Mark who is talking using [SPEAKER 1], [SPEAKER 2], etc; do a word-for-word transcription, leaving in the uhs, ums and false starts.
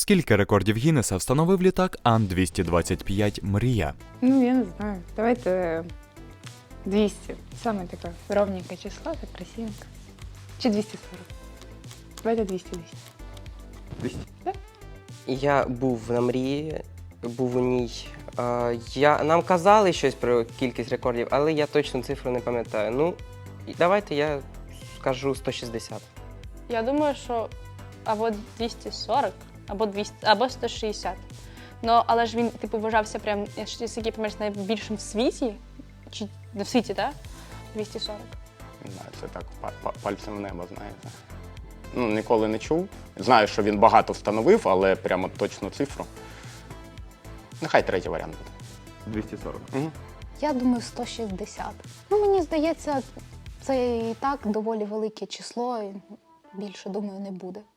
[SPEAKER 1] Скільки рекордів Гіннеса встановив літак Ан двісті двадцять п'ять Мрія?
[SPEAKER 2] Ну, я не знаю. Давайте двісті. Саме таке ровненьке число, так красивенько. Чи двісті сорок? Давайте двісті двісті.
[SPEAKER 3] двісті.
[SPEAKER 4] Я був на мрії, був у ній. Е, я, нам казали щось про кількість рекордів, але я точну цифру не пам'ятаю. Ну, і давайте я скажу сто шістдесят.
[SPEAKER 5] Я думаю, що або двісті сорок, або двісті, або сто шістдесят. Ну, але ж він, типу, вважався прям, якщо я пам'ятаю, найбільшим в світі. Чи не в світі, так? двісті сорок.
[SPEAKER 3] Не знаю, це так па- па- пальцем в небо, знаєте. Ну, ніколи не чув. Знаю, що він багато встановив, але прямо точну цифру. Нехай третій варіант буде.
[SPEAKER 6] двісті сорок.
[SPEAKER 3] Угу.
[SPEAKER 7] Я думаю, сто шістдесят. Ну, мені здається, це і так доволі велике число, і більше, думаю, не буде.